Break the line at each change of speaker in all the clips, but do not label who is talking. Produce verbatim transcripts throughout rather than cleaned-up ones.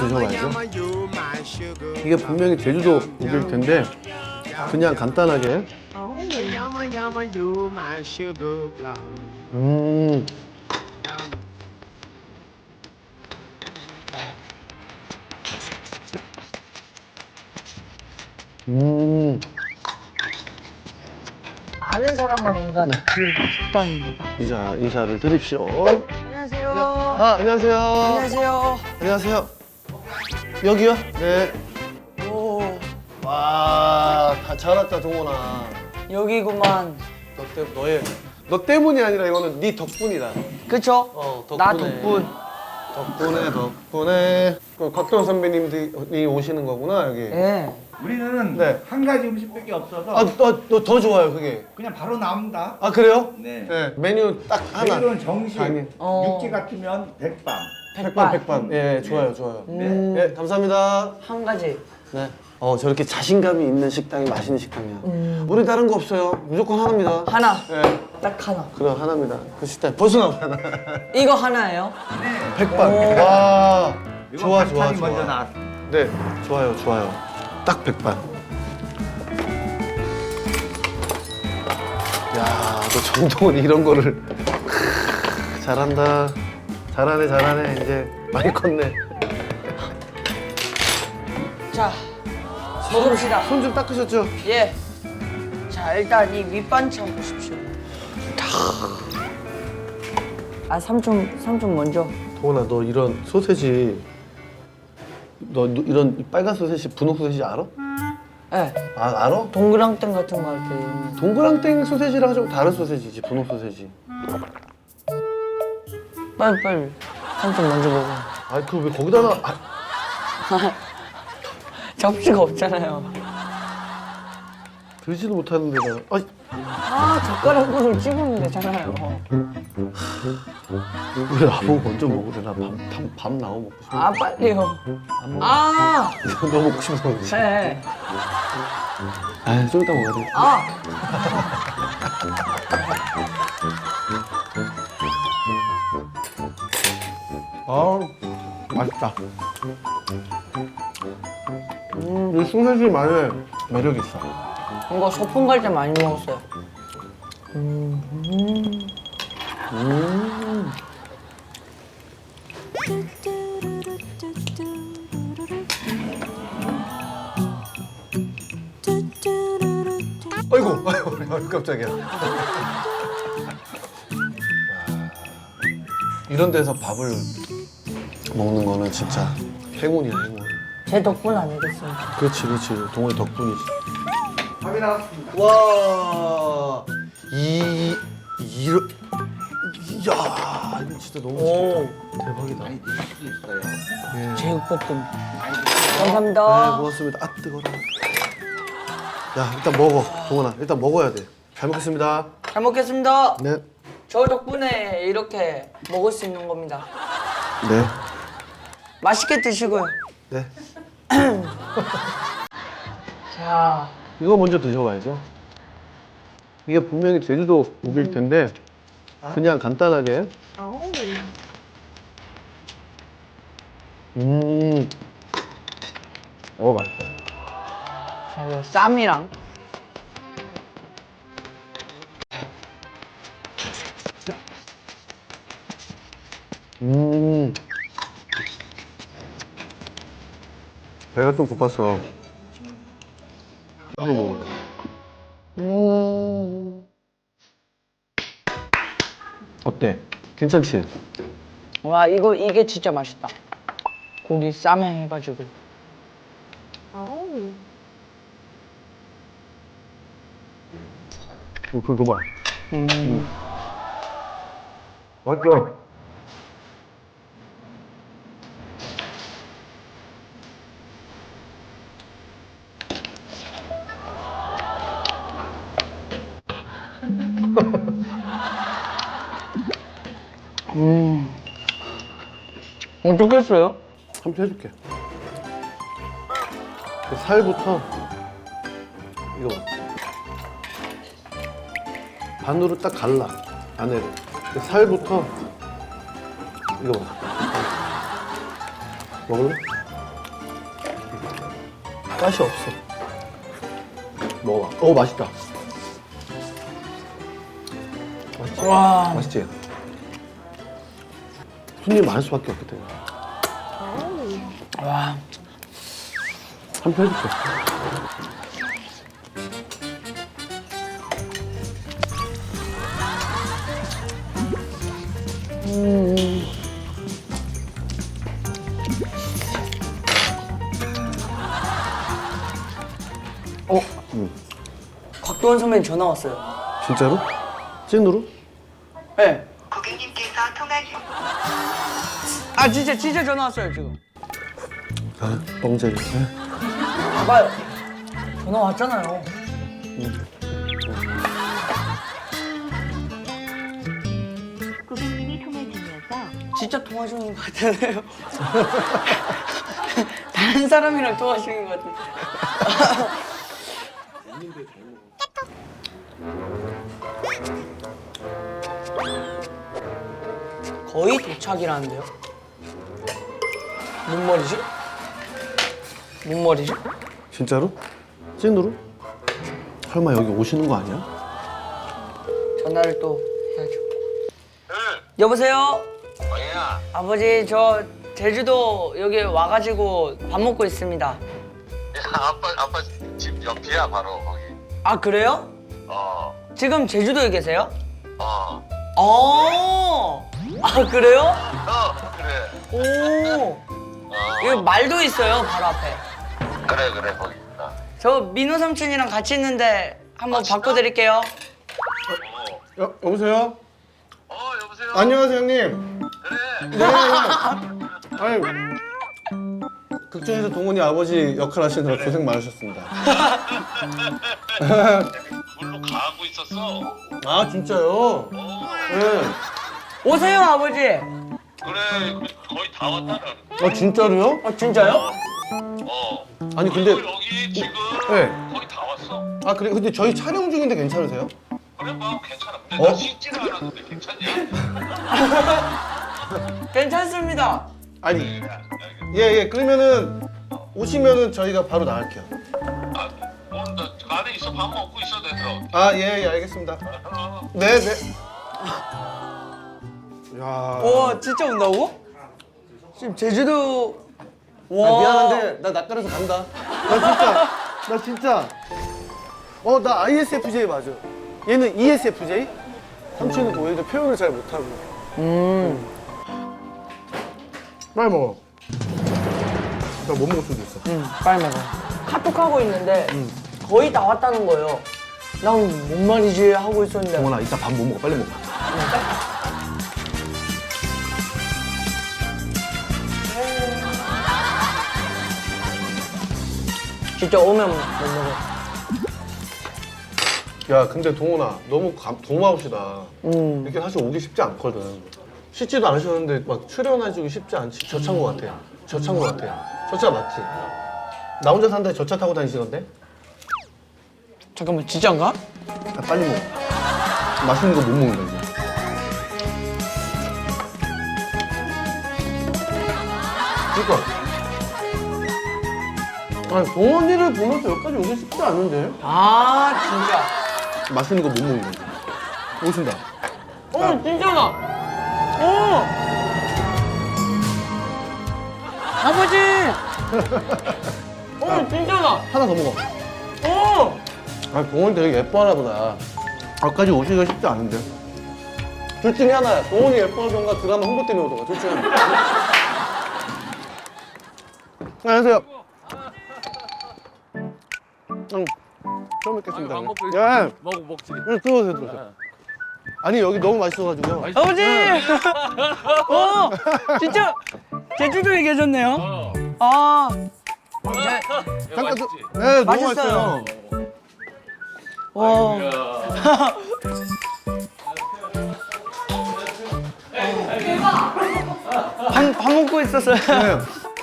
드셔봐야죠. 이게 분명히 제주도 고기일 텐데 그냥 간단하게. 음. 음.
아는 사람만 온다는 그 식당입니다.
인사, 인사를 드립시오.
안녕하세요.
아, 안녕하세요.
안녕하세요.
안녕하세요. 여기요? 네.
오,
와, 다 잘 왔다, 동원아.
여기구만.
너 때, 너의, 너 때문이 아니라 이거는 네 덕분이다.
그쵸?
어, 덕분에.
나 덕분.
덕분에, 덕분에. 그 곽도원 선배님들이 오시는 거구나, 여기.
예.
우리는
네.
한 가지 음식밖에 없어서
아, 너, 너 더 좋아요, 그게.
그냥 바로 나옵니다.
아, 그래요?
네.
메뉴 딱 하나.
내일은 정식,
아니.
어.
육지 같으면 백반.
백반, 백반. 예, 좋아요, 좋아요.
음.
예, 감사합니다.
한 가지.
네. 어, 저렇게 자신감이 있는 식당이 맛있는 식당이야.
음.
우리 다른 거 없어요. 무조건 하나입니다.
하나.
예.
딱 하나.
그럼 하나입니다. 그 식당 벌써 나오잖아.
이거 하나예요?
백반.
오.
와.
이건
좋아, 좋아,
반찬이
좋아.
먼저 나왔습니다.
네, 좋아요, 좋아요. 딱 백반. 야, 너 정동원 이런 거를 크, 잘한다. 잘하네, 잘하네. 이제 많이 컸네. 아,
자, 먹읍시다.
손 좀 닦으셨죠?
예. 자, 일단 이 밑반찬 보십시오. 아, 삼촌, 삼촌 먼저.
동원아, 너 이런 소세지, 너 이런 빨간 소세지, 분홍 소세지 알아?
예.
아, 알아?
동그랑땡 같은 거 할 때.
동그랑땡 소세지랑 좀 다른 소세지지, 분홍 소세지.
빨리, 빨리. 삼촌 먼저 먹어.
아, 그걸 왜 거기다가 아,
접시가 없잖아요.
들지도 못하는데 나. 아,
아, 젓가락으로 찍으면 되잖아요.
왜 나보고 먼저 먹으래? 나 밥, 밥, 밥 나와 먹고 싶어.
아, 빨리요.
안 먹어.
아!
너 먹고 싶어서 그러지.
네.
아, 좀 이따 먹어야 돼.
아!
아, 맛있다. 음, 이 소세지만의 매력이 있어.
이거 소풍 갈 때 많이 먹었어요.
음. 아이고, 아이고, 아이고, 깜짝이야. 와, 이런 데서 밥을 먹는 거는 진짜 행운이야, 행운.
제 덕분 아니겠습니까?
그렇지, 그렇지. 동호회 덕분이지.
밥이 나왔습니다.
와, 이, 이러, 야, 이거 진짜 너무
오.
맛있겠다. 대박이다.
많이 드실 수 있어요.
예.
제육볶음.
많이 드세요.
네,
감사합니다.
고맙습니다. 아, 뜨거라. 야, 일단 먹어. 동원아, 일단 먹어야 돼. 잘 먹겠습니다.
잘 먹겠습니다.
네.
저 덕분에 이렇게 먹을 수 있는 겁니다.
네.
맛있게 드시고요.
네.
자,
이거 먼저 드셔봐야죠. 이게 분명히 제주도 고기일 텐데 그냥 간단하게. 음. 어, 맛있다.
자, 이거 쌈이랑.
음. 배가 좀 고팠어. 이거 먹어. 음. 어때? 괜찮지?
와, 이거 이게 진짜 맛있다. 고기 쌈에 해가지고.
어, 그거 봐.
음.
맞죠?
음. 어떻게 했어요?
삼촌 해줄게. 그 살부터 이거 봐. 반으로 딱 갈라 안에를. 그 살부터 이거 봐. 먹을래? 가시 없어. 먹어봐. 어 맛있다. 맛있지?
와.
맛있지? 손님 많을 수밖에 없기 때문에.
와.
한 편 해줄게.
어? 곽도원 선배님 전화 왔어요.
진짜로? 찐으로?
네.
고객님께서 통화 중.
아 진짜 진짜 전화 왔어요 지금.
아, 뻥제리. 네.
봐봐요. 전화 왔잖아요.
고객님이 통화 중이어서
진짜 통화 중인 것 같잖아요. 다른 사람이랑 통화 중인 것 같은데. 거의 도착이라는데요? 뭔 말이지? 뭔 말이지?
진짜로? 찐으로? 설마 여기 오시는 거 아니야?
전화를 또 해야죠. 여보세요?
뭐야?
아버지 저 제주도 여기 와가지고 밥 먹고 있습니다.
야, 아빠 아빠 집 옆이야 바로 거기.
아 그래요?
어,
지금 제주도에 계세요?
어,
어. 아 그래요?
어, 그래.
오.
어,
여기 말도 있어요 바로 앞에.
그래 그래 거기 있다.
저 민호 삼촌이랑 같이 있는데 한번
아, 진짜?
바꿔드릴게요.
어,
여, 여보세요?
어 여보세요.
안녕하세요 형님.
그래.
네. 아니 극중에서 동훈이 아버지 역할 하시느라 고생 많으셨습니다.
물로 가고 있었어.
아 진짜요?
어,
네.
오세요 아버지.
그래 그, 거의 다 왔다 나는.
아 진짜로요?
아 진짜요?
어.
아니 근데
그리고 여기 지금
네.
거의 다 왔어.
아 그래 근데 저희 촬영 중인데 괜찮으세요?
그래 뭐 괜찮아. 근데
어?
나 씻지는 않았는데 괜찮냐?
괜찮습니다.
아니
그래, 알겠어.
예예 그러면은 오시면은 저희가 바로 나갈게요.
아, 어, 나 안에 있어 밥 먹고 있어 내서.
아 예 예 알겠습니다.
어.
네 네. 야.
와 진짜 온다고? 지금 제주도.
아,
와.
미안한데 나 낯가려서 간다. 나 진짜 나 진짜 어 나 아이에스에프제이 맞아. 얘는 이에스에프제이? 삼촌은 오히려 표현을 잘 못하고.
음.
빨리 먹어. 나 못 먹을 수도 있어.
응 빨리 먹어. 카톡하고 있는데 거의 다 왔다는 거예요. 난 뭔 말이지 하고 있었는데.
동원아 이따 밥 못 먹어. 빨리 먹어.
진짜 오면 못 먹어.
야 근데 동원아 너무 감, 고마우시다.
음.
이렇게 사실 오기 쉽지 않거든. 씻지도 않으셨는데 막 출연해주기 쉽지 않지. 저 차인 것 같아. 저 차인 것 같아. 저 차 맞지? 나 혼자 산다에 저 차 타고 다니시던데?
잠깐만 진짜인가?
아, 빨리 먹어. 맛있는 거 못 먹는다 이제. 그러니까. 아니 동원이를 보면서 여기까지 오기 쉽지 않은데?
아 진짜.
맛있는 거 못 먹는다 이제. 오신다.
어 진짜다. 어. 아버지. 어 진짜다.
하나 더 먹어.
어.
아 동원이 되게 예뻐하나 보다. 여기까지 오기가 쉽지 않은데. 둘 중에 하나야. 동원이 예뻐하던가 드라마 홍보 때문에 오던가. 둘 중에 하나. 안녕하세요. 응. 처음 뵙겠습니다.
아유, 방법도
예.
먹 먹지.
네, 들어오세요, 들어오세요. 아니 여기 너무 맛있어가지고요.
아버지. 어 진짜 제주도에 계셨네요.
어.
아.
야,
잠깐
맛있지?
좀. 네, 너무
맛있어요.
맛있어요.
와.
아이고야.
밥, 밥 먹고 있었어요.
네.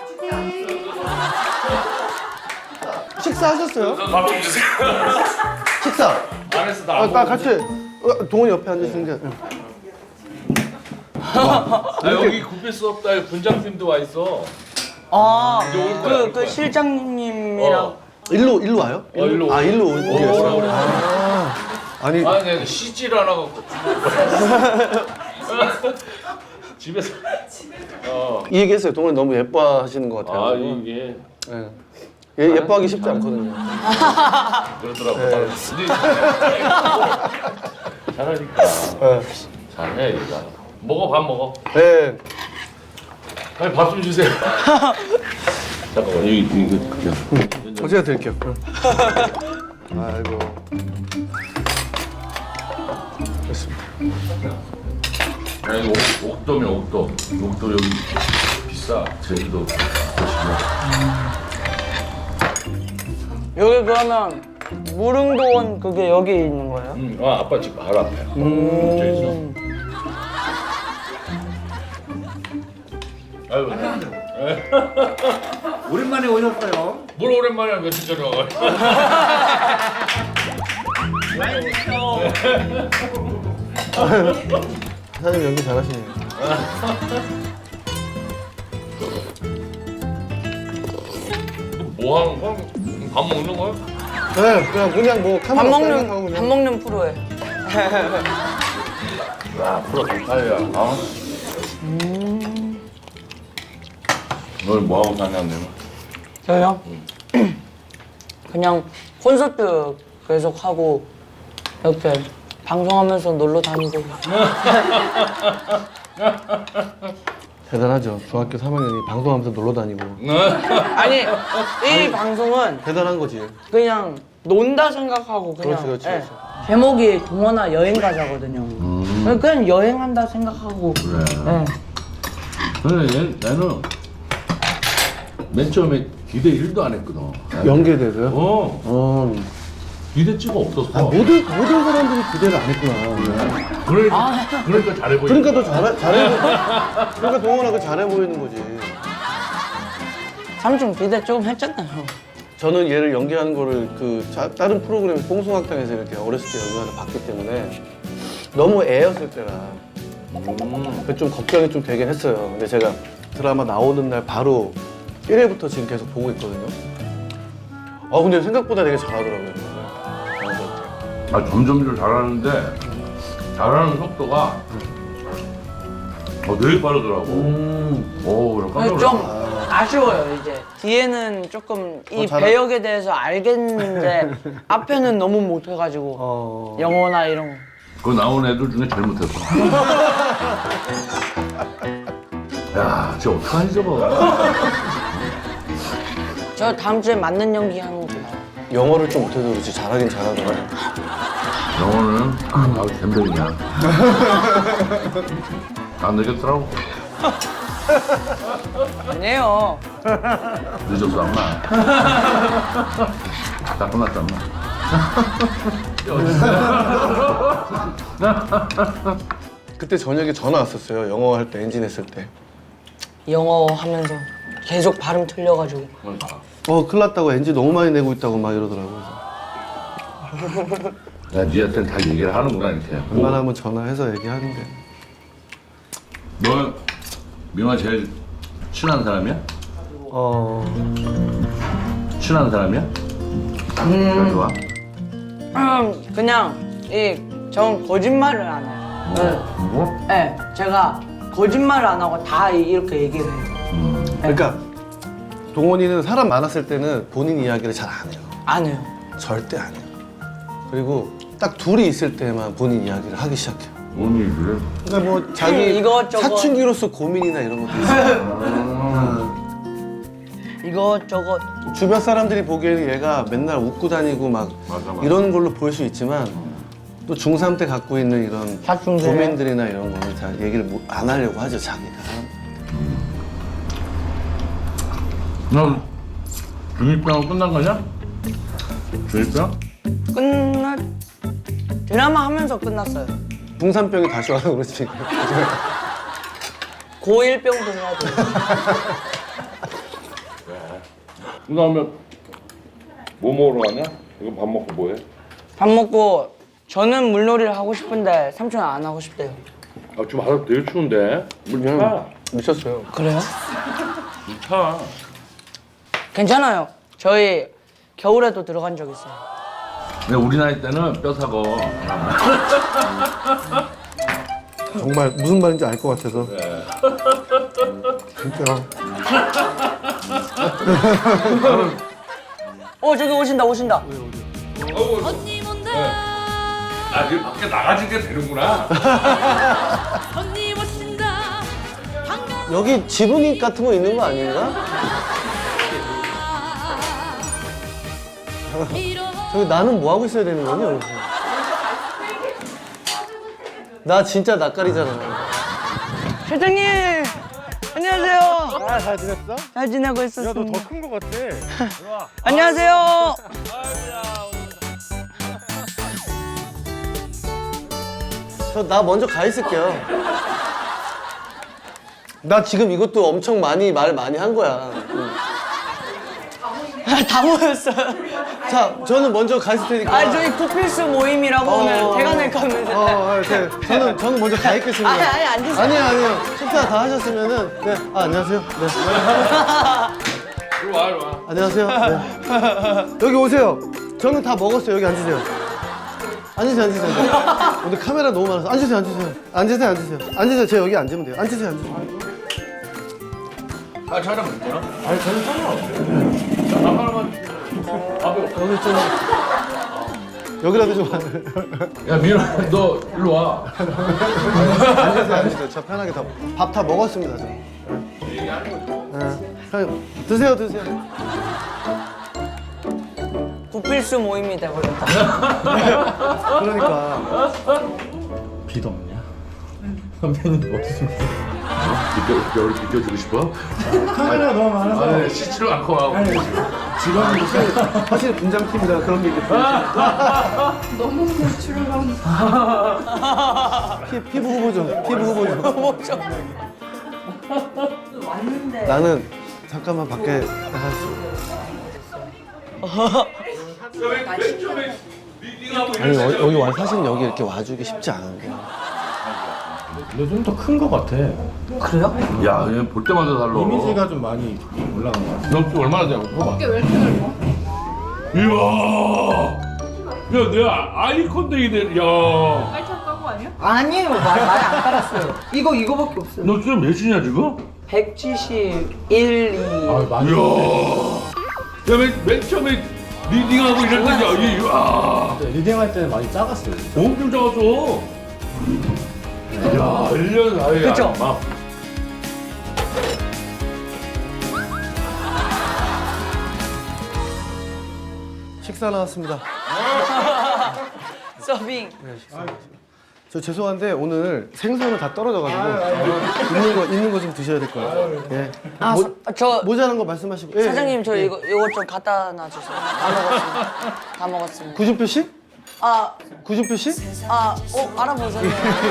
식사하셨어요?
밥 좀 주세요.
식사.
안 했어 나.
아,
안
나
먹었어.
같이. 어, 동원이 옆에 앉으시는 게. 응.
아, 여기 굽힐 수 없다. 분장팀도 와 있어.
아,
이제 올 거야, 올
그, 그
거야.
실장님이랑.
어.
일로 일로 와요?
어, 일로
아
오-
일로
오라
오겠어요.
그래.
아, 아니
아니 내가 쉬질 않아갖고. 집에서. 어.
이 얘기했어요. 동원이 너무 예뻐하시는 것 같아요.
아 이게
예. 얘 예뻐하기 쉽지 않거든요.
그러더라고.
네.
근데 잘하니까.
예.
잘해 얘가. 먹어 밥 먹어.
네.
아니 밥 좀 주세요. 잠깐만 이거 이거 그냥.
어, 제가 드릴게요. 아이고. 됐습니다.
야 이거 옥- 옥도면 옥도. 옥도 여기 비싸. 제주도 보시면.
여기 그러면 무릉도원 그게 여기 있는 거예요?
음, 아 아빠 집 바로 앞에. 음. 저 있어. 아유.
오랜만에 오셨어요.
뭘 오랜만에 며칠 전에 와가지고.
사장님 연기 잘하시네요.
뭐 하는 거야? 밥 먹는 거야?
네, 그냥 그냥 뭐
밥
카메라
먹는
생각하고
밥
그냥.
먹는 프로에.
야, 프로 강탈이야. 아. 음. 널 뭐 하고 사냐면.
저요? 그냥 콘서트 계속 하고 이렇게 방송하면서 놀러 다니고.
대단하죠. 중학교 삼 학년이 방송하면서 놀러 다니고.
아니 이 방송은
대단한 거지.
그냥 논다 생각하고 그냥.
그렇지, 그렇지,
예.
그렇지.
제목이 동원아 여행 가자거든요. 그냥 여행한다 생각하고.
그래.
예.
근데 얘, 얘는 맨 처음에 기대 일도 안 했거든.
연계되고요.
어,
어.
기대치가 없었어.
아 모든 모든 사람들이 기대를 안 했구나.
그러니까, 그러니까 잘해 보이는
그러니까 더
거야.
잘해 잘해. 보- 그러니까 동원아가 잘해 보이는 거지.
삼촌 기대 조금 했잖아요.
저는 얘를 연기하는 거를 그 자- 다른 프로그램 뽕숭학당에서 이렇게 어렸을 때 연기하다 봤기 때문에 너무 애였을 때라
음.
좀 걱정이 좀 되긴 했어요. 근데 제가 드라마 나오는 날 바로 일 회부터 지금 계속 보고 있거든요. 아 근데 생각보다 되게 잘하더라고요.
아, 점점 좀 잘하는데 잘하는 속도가 어, 되게 빠르더라고.
음.
오, 나 깜짝
좀
놀랐어.
아쉬워요 이제. 뒤에는 조금 이
어, 잘하-
배역에 대해서 알겠는데 앞에는 너무 못해가지고
어.
영어나 이런 거.
그 나온 애들 중에 제일 못했어. 야, 쟤 어떡하니 저거.
저 다음 주에 맞는 연기 하는 거 봐요.
영어를 좀 못해도 그렇지 잘하긴 잘하더라고요.
영어는 아우 갬병이야. 안 되겠더라고.
아니에요.
늦었어 엄마. 다 끝났다 엄마.
그때 저녁에 전화 왔었어요. 영어 할 때 엔진 했을 때.
영어 하면서 계속 발음 틀려가지고.
어 큰일 났다고 엔진 너무 많이 내고 있다고 막 이러더라고요.
야, 니한테는 다 얘기를 하는구나 이렇게.
웬만하면 전화해서 얘기하는데.
너 민화 제일 친한 사람이야?
어.
친한 사람이야? 음. 좋아?
음, 그냥 이 전 거짓말을 안 해요. 네.
뭐?
네, 제가 거짓말을 안 하고 다 이- 이렇게 얘기를 해요.
그러니까 동원이는 사람 많았을 때는 본인 이야기를 잘 안 해요.
안 해요.
절대 안 해요. 그리고 딱 둘이 있을 때만 본인 이야기를 하기 시작해요.
뭔 얘기를?
그러니까 뭐 자기
이것저것.
사춘기로서 고민이나 이런 것도 있어요.
이것저것.
주변 사람들이 보기에는 얘가 맨날 웃고 다니고 막
맞아, 맞아.
이런 걸로 볼 수 있지만 또 중삼 때 갖고 있는 이런
사춘기.
고민들이나 이런 거는 잘 얘기를 못- 안 하려고 하죠, 자기가.
너 중이병 끝난 거냐? 중이병?
끝났 드라마 하면서 끝났어요.
중삼병이 다시 와서 그렇지.
고일병도 해야 돼요.
그다음에 뭐 먹으러 가냐? 이거 밥 먹고 뭐해?
밥 먹고 저는 물놀이를 하고 싶은데 삼촌은 안 하고 싶대요.
아 지금 바다 되게 추운데 물 차.
미쳤어요.
그래요?
물 차.
괜찮아요. 저희 겨울에도 들어간 적 있어요.
근데 우리 나이 때는 뼈 사고.
정말 무슨 말인지 알 것 같아서. 진짜.
어 저기 오신다 오신다.
언니 못나
아, 지금 밖에 나가진 게 되는구나.
언니 못신다 반가
여기 지붕이 같은 거 있는 거 아닌가?
이러
저기 나는 뭐 하고 있어야 되는 거니 여기서? 나 진짜 낯가리잖아.
실장님 안녕하세요.
아, 잘 지냈어?
잘 지내고 있었습니다.
야, 너 더 큰 거 같아.
안녕하세요.
저 나 먼저 가 있을게요. 나 지금 이것도 엄청 많이 말 많이 한 거야. 응.
다 모였어요.
자, 저는 먼저 가 있을 테니까.
아 저희 구필수 모임이라고 오늘 대관을 가면서.
어, 어, 네. 저는 저는 먼저 가 있겠습니다.
아니, 아니, 앉으세요.
아니요, 아니요. 식사 다 하셨으면은 네. 아, 안녕하세요. 네.
이리 와, 이리 와.
안녕하세요. 네. 여기 오세요. 저는 다 먹었어요. 여기 앉으세요. 앉으세요, 앉으세요. 오늘 카메라 너무 많아서 앉으세요, 앉으세요. 앉으세요, 앉으세요. 앉으세요. 제가 여기 앉으면 돼요. 앉으세요, 앉으세요.
아, 촬영 괜찮아? 아니, 저는 상관없어요. 자, 하나만.
여기 좀 여기라도 좀
야, 민아, 너 일로 와.
앉으세요, 앉으세요. 저 편하게 다 밥 다 먹었습니다, 저. 네. 그냥 드세요, 드세요.
구필수 모임이 돼버렸다.
그러니까
비도 없냐? 선배님 어디서
비껴, 겨울 비껴주고 싶어?
카메라가 너무 많아서
아, 네, 씻지를 않고 하고.
직원이
사실 분장팀이라 그런 게 있겠죠.
너무 노출을
피, 피부 후보 좀, 피부 후보 좀.
뭐죠?
나는 잠깐만 밖에 나갔어. 아니 여, 여기 와 사실 여기 이렇게 와주기 쉽지 않은 거야.
근데 좀 더 큰 거 같아.
그래요?
야, 얘 볼 때마다 달라.
이미지가 좀 많이 올라간 거 같아.
너 지금 얼마나 되냐고 봐봐.
어깨 왜 이렇게 넓어?
이야. 야, 내가 아이콘 되게 돼. 야.
깔창 까고 아니야?
아니에요. 말, 말이 안 깔았어요. 이거 이거밖에 없어요.
너 지금 몇이냐 지금?
백칠십일, 이.
아 많이.
이야. 야, 맨, 맨 처음에 리딩하고 이럴 때, 야, 얘, 야.
리딩할 때는 많이 작았어요.
엄청 작았어. 야, 일 년 사이에.
그쵸?
막.
식사 나왔습니다.
서빙.
저 죄송한데 오늘 생선은 다 떨어져가지고 있는 거 있는 거 좀 드셔야 될 것 같아요. 예.
아,
모,
서, 저
모자란 거 말씀하시고. 예,
사장님
예.
저 이거 이거 좀 갖다 놔주세요. 다 먹었습니다. 다 먹었습니다.
구준표 씨?
아,
구준표 씨?
아, 어 알아보셨네요.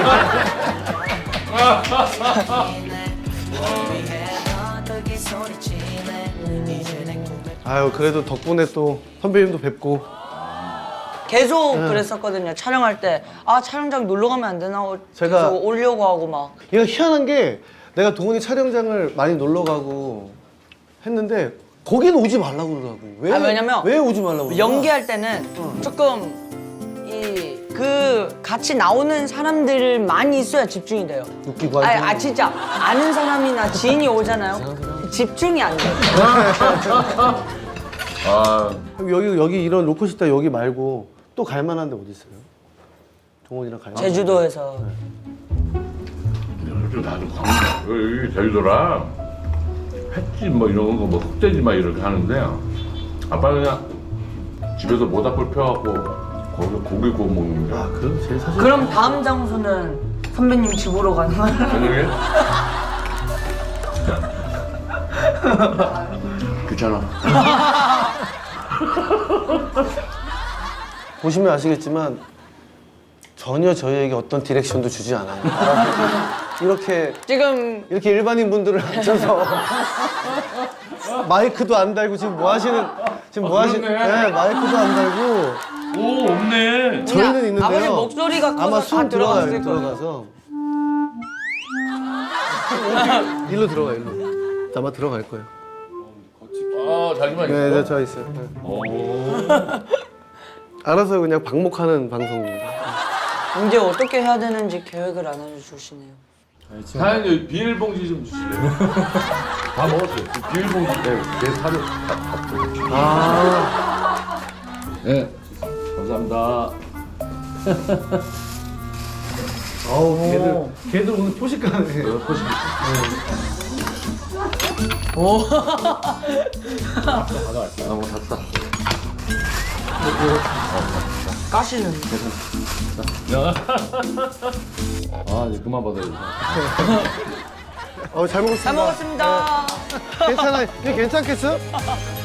아유 그래도 덕분에 또 선배님도 뵙고.
계속 그랬었거든요. 촬영할 때 아 촬영장 놀러 가면 안 되나? 어,
제가-
계속 오려고 하고 막.
이거 희한한 게 내가 동훈이 촬영장을 많이 놀러 가고 했는데 거기는 오지 말라고 그러더라고. 왜?
아, 왜냐면
왜 오지 말라고? 그러나?
연기할 때는 조금 이 그 같이 나오는 사람들 많이 있어야 집중이 돼요.
웃기고
아,
하지.
아 진짜 아는 사람이나 지인이 오잖아요. 집중이 안 돼.
아,
여기 여기 이런 로컬 식당 여기 말고 또 갈 만한 데 어디 있어요? 동훈이랑 갈 만한
제주도에서
요즘 나도 광, 여기 제주도라 횟집 뭐 이런 거, 뭐 흑돼지 막 이렇게 하는데 아빠 그냥 집에서 모닥불 펴갖고 거기서 고기 구워 먹는 게.
아, 그럼 제일 사실.
그럼 다음 장소는 선배님 집으로 가는 거예요?
저녁에? 귀찮아.
보시면 아시겠지만 전혀 저희에게 어떤 디렉션도 주지 않아요. 이렇게
지금
이렇게 일반인 분들을 앉혀서 마이크도 안 달고 지금 뭐 하시는 지금 뭐 하시는?
그렇네.
네, 마이크도 안 달고
오, 없네.
저희는 있는데요.
아버님 목소리가 커서
아마
다
숨 들어가요.
들어갔을 거예요.
들어가서 일로 들어가 일로. 아마 들어갈 거예요.
어, 자기만 있어?
네, 네, 저 있어요. 네.
오.
알아서 그냥 방목하는 방송입니다.
이제 어떻게 해야 되는지 계획을 안 알려주시네요.
사장님 비닐봉지 좀 주실래요? 다 먹었어요. 그 비닐봉지 네, 내 사료 다 받고.
아,
네, 감사합니다.
어우, 걔들, 걔들 오늘 포식가네.
내가 포식.
가져갈게요.
아, 뭐 잤다.
까시는.
아, 이제 그만 받아야지.
어, 잘 먹었습니다.
잘 먹었습니다.
괜찮아요. 이게 괜찮겠어?